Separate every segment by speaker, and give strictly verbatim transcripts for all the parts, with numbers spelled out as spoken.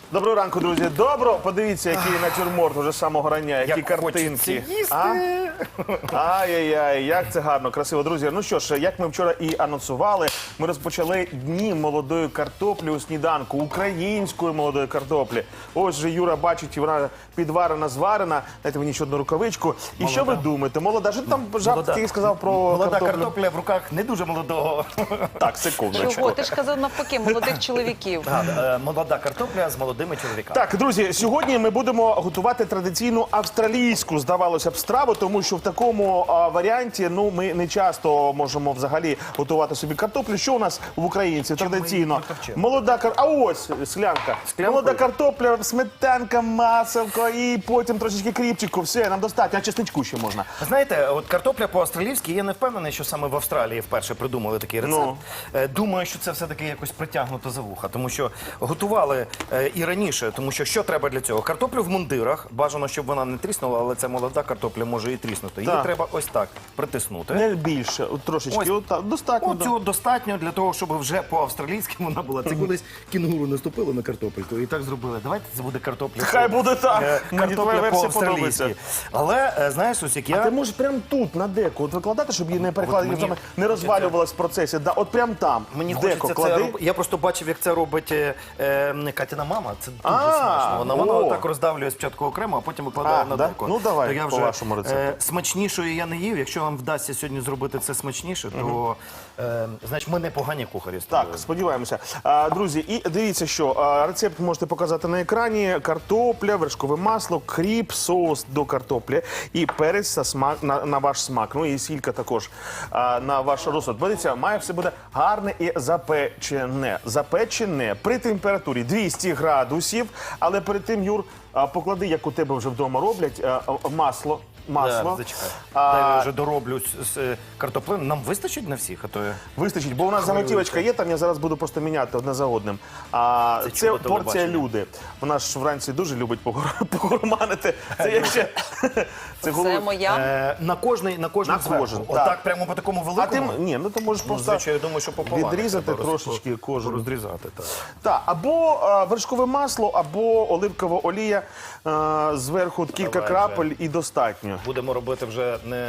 Speaker 1: Доброго ранку, друзі. Добро. Подивіться, який натюрморт уже з самого рання, які
Speaker 2: Як
Speaker 1: картинки.
Speaker 2: хочеться їсти.
Speaker 1: А? Ай-яй-яй, як це гарно, красиво. Друзі, ну що ж, як ми вчора і анонсували, ми розпочали дні молодої картоплі у сніданку, української молодої картоплі. Ось же Юра бачить, вона підварена, зварена. Дайте мені ще одну рукавичку. І
Speaker 2: Молода.
Speaker 1: що ви думаєте? Молода, що ти там жаб такий сказав про
Speaker 2: Молода
Speaker 1: картоплю?
Speaker 2: картопля в руках не дуже молодого.
Speaker 1: Так, секундочку.
Speaker 3: Чого? Ти ж казав навпаки, молодих чоловіків.
Speaker 2: А, е, Молода картопля з молодими чоловіками.
Speaker 1: Так, друзі, сьогодні ми будемо готувати традиційну австралійську, здавалося б, страву, тому що в такому а, варіанті, ну, ми не часто можемо взагалі готувати собі картоплю. Що у нас в українців традиційно?
Speaker 2: ми її протовчемо?
Speaker 1: Молода кар... А ось склянка.
Speaker 2: Склянкою?
Speaker 1: Молода картопля, сметанка, маселко і потім трошечки кріпчику. Все, нам достатньо, а чесничку ще можна.
Speaker 2: Знаєте, от картопля по-австралійськи, я не впевнений, що саме в Австралії вперше придумали такий рецепт.
Speaker 1: Ну.
Speaker 2: Е, Думаю, що це все-таки якось притягнуто за вуха, тому що готували е, і раніше, тому що що треба для цього? Картоплю в мундирах, бажано, щоб вона не тріснула, але ця молода картопля може і тріснути. Її
Speaker 1: Так.
Speaker 2: треба ось так притиснути.
Speaker 1: Не більше, от трошечки,
Speaker 2: Ось.
Speaker 1: от так, достатньо.
Speaker 2: От цього достатньо для того, щоб вже по-австралійськи вона була. Це колись кінгуру наступило на картопельку і так зробили. Давайте це буде картопля.
Speaker 1: Хай буде так.
Speaker 2: Е,
Speaker 1: Мені твоя
Speaker 2: Картопля
Speaker 1: версія
Speaker 2: по-австралійськи.
Speaker 1: подобається.
Speaker 2: Але, е, знаєш, ось як
Speaker 1: А ти
Speaker 2: я...
Speaker 1: можеш прямо тут, на деку, от викладати, щоб її не перекладати,
Speaker 2: мені
Speaker 1: не розвалювалась в процесі. Да, от прямо там,
Speaker 2: Мені
Speaker 1: в
Speaker 2: хочеться
Speaker 1: деко
Speaker 2: це
Speaker 1: клади.
Speaker 2: робити. Я просто бачив, як це робить е, е, Катіна мама. Це дуже
Speaker 1: А,
Speaker 2: смачно. Вона, вона
Speaker 1: о.
Speaker 2: отак роздавлює спочатку окремо, а потім викладає
Speaker 1: А,
Speaker 2: на
Speaker 1: да?
Speaker 2: деко.
Speaker 1: Ну, давай,
Speaker 2: То я
Speaker 1: по
Speaker 2: вже,
Speaker 1: вашому рецепту.
Speaker 2: е, смачнішої я не їв. Якщо вам вдасться сьогодні зробити це смачніше, то е, значить ми непогані кухарі з тобою.
Speaker 1: Так, сподіваємося. А, друзі, і дивіться, що а, рецепт можете показати на екрані. Картопля, вершкове масло, кріп, соус до картоплі і перець на, смак, на, на ваш смак. Ну і сілька також а, на ваш розсуд. Дивіться, має все буде гарне і запечене. Запечене при температурі двісті градусів. Але перед тим, Юр, а, поклади, як у тебе вже вдома роблять, а, а, масло. Масло.
Speaker 2: Да, зачекай.
Speaker 1: А,
Speaker 2: Дай я вже дороблю з, з картоплею. Нам вистачить на всіх, а то я...
Speaker 1: Вистачить, бо у нас заготівочка є, там я зараз буду просто міняти одне за одним. А
Speaker 2: Це
Speaker 1: це,
Speaker 2: чудо
Speaker 1: порція
Speaker 2: телебачення.
Speaker 1: люди. Вона ж вранці дуже любить погор- погурманити. Це як ще... Це
Speaker 3: Це
Speaker 1: голов-
Speaker 3: моя.
Speaker 2: Е, на кожний, на кожний
Speaker 1: На
Speaker 2: зверху.
Speaker 1: кожен, так.
Speaker 2: Отак прямо по такому
Speaker 1: А ти
Speaker 2: великому.
Speaker 1: м- ні, ну ти можеш
Speaker 2: Ну,
Speaker 1: просто
Speaker 2: звичайно, я думаю, що пополам.
Speaker 1: відрізати
Speaker 2: треба роз-
Speaker 1: трошечки кожен.
Speaker 2: Розрізати, так.
Speaker 1: Так, або а, вершкове масло, або оливкова олія, а, зверху от кілька
Speaker 2: Давай
Speaker 1: крапель і достатньо.
Speaker 2: Будемо робити вже не...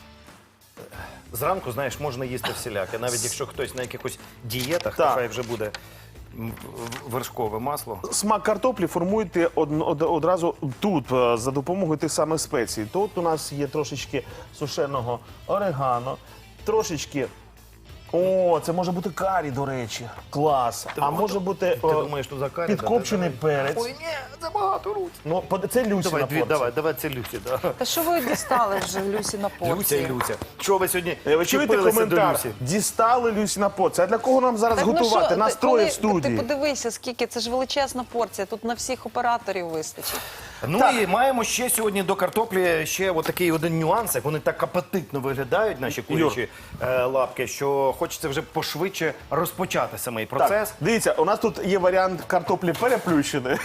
Speaker 2: Зранку, знаєш, можна їсти всіляке. Навіть якщо хтось на якихось дієтах, то
Speaker 1: Так.
Speaker 2: хай вже буде м, вершкове масло.
Speaker 1: Смак картоплі формуєте од- од- одразу тут е, за допомогою тих самих спецій. Тут у нас є трошечки сушеного орегано, трошечки. О, це може бути карі, до речі. Клас. А може бути
Speaker 2: Ти
Speaker 1: е,
Speaker 2: думаєш, що за карі?
Speaker 1: підкопчений
Speaker 2: Да, да, да.
Speaker 1: перець.
Speaker 2: Ой, ні, забагато руць.
Speaker 1: Ну, под- це Люсіна
Speaker 2: Давай, дві,
Speaker 1: порція.
Speaker 2: давай, давай, це Люсі, да.
Speaker 3: Та що ви дістали вже Люсі на
Speaker 2: Люся
Speaker 3: порції?
Speaker 2: і Люся. Що ви сьогодні
Speaker 1: Е, Ви чуєте
Speaker 2: чіпилися до
Speaker 1: коментар?
Speaker 2: Люсі?
Speaker 1: Дістали Люсіна порція. А для кого нам зараз
Speaker 3: Так, ну
Speaker 1: готувати?
Speaker 3: що,
Speaker 1: Нас
Speaker 3: ти-
Speaker 1: троє
Speaker 3: коли-
Speaker 1: в студії.
Speaker 3: Ти подивися, скільки, це ж величезна порція, тут на всіх операторів вистачить.
Speaker 2: Ну
Speaker 1: Так.
Speaker 2: і маємо ще сьогодні до картоплі ще отакий один нюанс, як вони так апетитно виглядають, наші курячі е, лапки, що хочеться вже пошвидше розпочати самий процес.
Speaker 1: Так, дивіться, у нас тут є варіант картоплі переплющеної.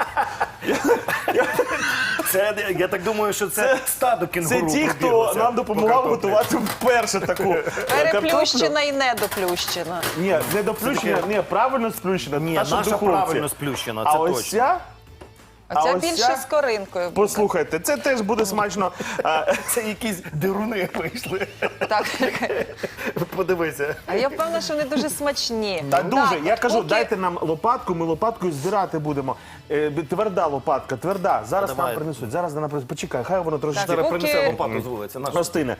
Speaker 2: Це, я так думаю, що це, стадо
Speaker 1: Це
Speaker 2: кінгуру
Speaker 1: ті, хто
Speaker 2: пробіглося
Speaker 1: нам
Speaker 2: по
Speaker 1: допомагав
Speaker 2: картоплі.
Speaker 1: готувати вперше таку е, картоплю.
Speaker 3: Переплющена і недоплющена.
Speaker 1: Ні, не доплющена, ні, правильно сплющена.
Speaker 2: Ні,
Speaker 1: та, що в
Speaker 2: наша
Speaker 1: духовці.
Speaker 2: правильно сплющена,
Speaker 1: А
Speaker 2: це
Speaker 1: ось
Speaker 2: точно.
Speaker 1: ця,
Speaker 3: А ця
Speaker 1: ось
Speaker 3: більше
Speaker 1: ця-
Speaker 3: з коринкою. буде.
Speaker 1: послухайте, це теж буде смачно. А,
Speaker 2: Це якісь дируни вийшли.
Speaker 3: Так.
Speaker 2: Подивися.
Speaker 3: А я впевнена, що вони дуже смачні.
Speaker 1: Та дуже,
Speaker 3: Так,
Speaker 1: я кажу,
Speaker 3: поки-
Speaker 1: дайте нам лопатку, ми лопаткою збирати будемо. Е, тверда лопатка, тверда. Зараз
Speaker 2: Давай.
Speaker 1: нам принесуть, зараз нам принесуть. Почекай, хай воно трошки
Speaker 3: Так,
Speaker 2: Зараз
Speaker 3: поки-
Speaker 2: принесе лопату з вулиці. нашу.
Speaker 1: розтине.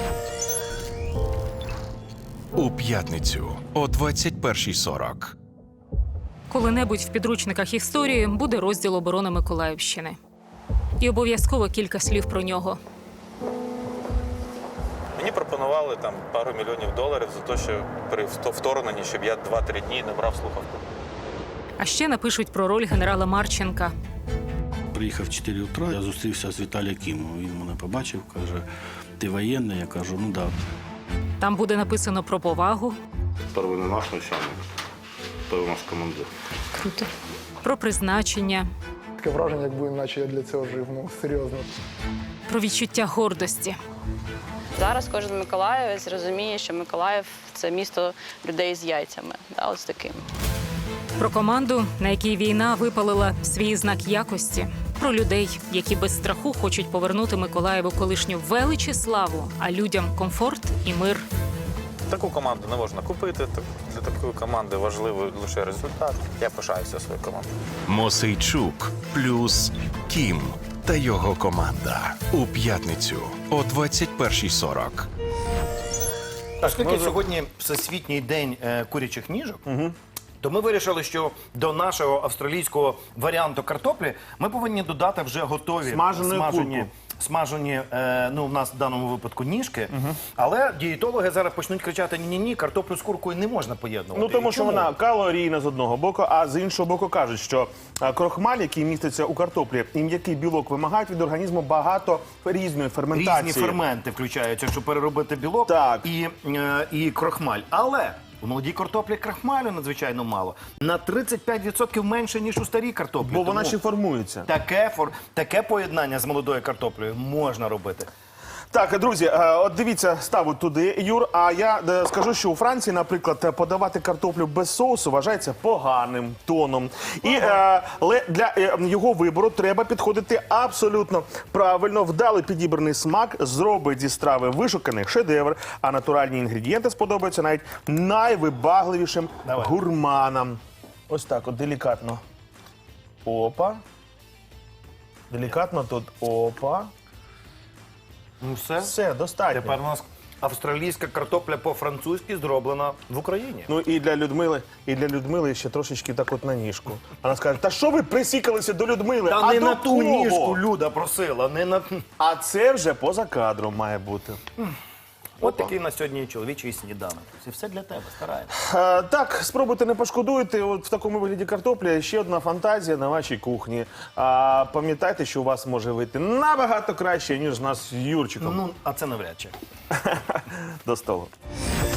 Speaker 4: У п'ятницю о двадцять першій сорок.
Speaker 5: Коли-небудь в підручниках історії буде розділ оборони Миколаївщини. І обов'язково кілька слів про нього.
Speaker 6: Мені пропонували там пару мільйонів доларів за те, що при вто- вторгненні, щоб я два-три дні не брав слухавку.
Speaker 5: А ще напишуть про роль генерала Марченка.
Speaker 7: Приїхав в чотири утра, я зустрівся з Віталієм Кімом. Він мене побачив, каже, ти воєнний? Я кажу, ну так.
Speaker 5: Там буде написано про повагу,
Speaker 8: Перший не наш начальник, той у нас командир.
Speaker 5: про призначення,
Speaker 9: Таке враження, якби наче я для цього жив, ну серйозно.
Speaker 5: про відчуття гордості.
Speaker 10: Зараз кожен миколаївець розуміє, що Миколаїв – це місто людей з яйцями, да, ось таким.
Speaker 5: Про команду, на якій війна випалила свій знак якості. Про людей, які без страху хочуть повернути Миколаєву колишню велич і славу, а людям комфорт і мир.
Speaker 6: Таку команду не можна купити. так- Для такої команди важливий лише результат. Я пишаюся своєю командою.
Speaker 4: Мосейчук плюс Кім та його команда у п'ятницю о двадцять першій сорок.
Speaker 2: Оскільки сьогодні Всесвітній день е, курячих ніжок, то ми вирішили, що до нашого австралійського варіанту картоплі ми повинні додати вже готові
Speaker 1: Смажену
Speaker 2: смажені,
Speaker 1: курку.
Speaker 2: смажені е, ну, в нас в даному випадку ніжки. Але дієтологи зараз почнуть кричати: ні-ні-ні, картоплю з куркою не можна поєднувати.
Speaker 1: Ну, тому
Speaker 2: І
Speaker 1: що
Speaker 2: чому?
Speaker 1: вона калорійна з одного боку, а з іншого боку кажуть, що а, крохмаль, який міститься у картоплі, і м'який білок вимагають від організму багато різної ферментації.
Speaker 2: Різні ферменти включаються, щоб переробити білок
Speaker 1: Так.
Speaker 2: І, е, і крохмаль. Але у молодій картоплі крохмалю надзвичайно мало. На тридцять п'ять відсотків менше, ніж у старій картоплі.
Speaker 1: Бо вона
Speaker 2: Тому
Speaker 1: ще формується.
Speaker 2: таке, фор... таке поєднання з молодою картоплею можна робити.
Speaker 1: Так, друзі, е, от дивіться, ставить туди, Юр. А я е, скажу, що у Франції, наприклад, е, подавати картоплю без соусу вважається поганим тоном. І е, але для е, його вибору треба підходити абсолютно правильно. Вдало підібраний смак зробить зі страви вишуканий шедевр, а натуральні інгредієнти сподобаються навіть найвибагливішим
Speaker 2: Давай.
Speaker 1: гурманам. Ось так, от делікатно. Опа. Делікатно тут. Опа.
Speaker 2: Ну все.
Speaker 1: Все, достатньо.
Speaker 2: Тепер у нас австралійська картопля по-французьки зроблена в Україні.
Speaker 1: Ну і для Людмили, і для Людмили ще трошечки так от на ніжку. Вона скаже: та що ви присікалися до Людмили?
Speaker 2: Та
Speaker 1: а
Speaker 2: не
Speaker 1: до
Speaker 2: на ту
Speaker 1: кого?
Speaker 2: ніжку Люда просила, не на...
Speaker 1: А це вже поза кадром має бути.
Speaker 2: От такий на сьогодні чоловічий сніданок. Це все для тебе, стараємося.
Speaker 1: Е, так, спробуйте, не пошкодуєте. От в такому вигляді картопля ще одна фантазія на вашій кухні. А пам'ятайте, що у вас може вийти набагато краще, ніж у нас з Юрчиком.
Speaker 2: Ну, а це навряд чи.
Speaker 1: До столу.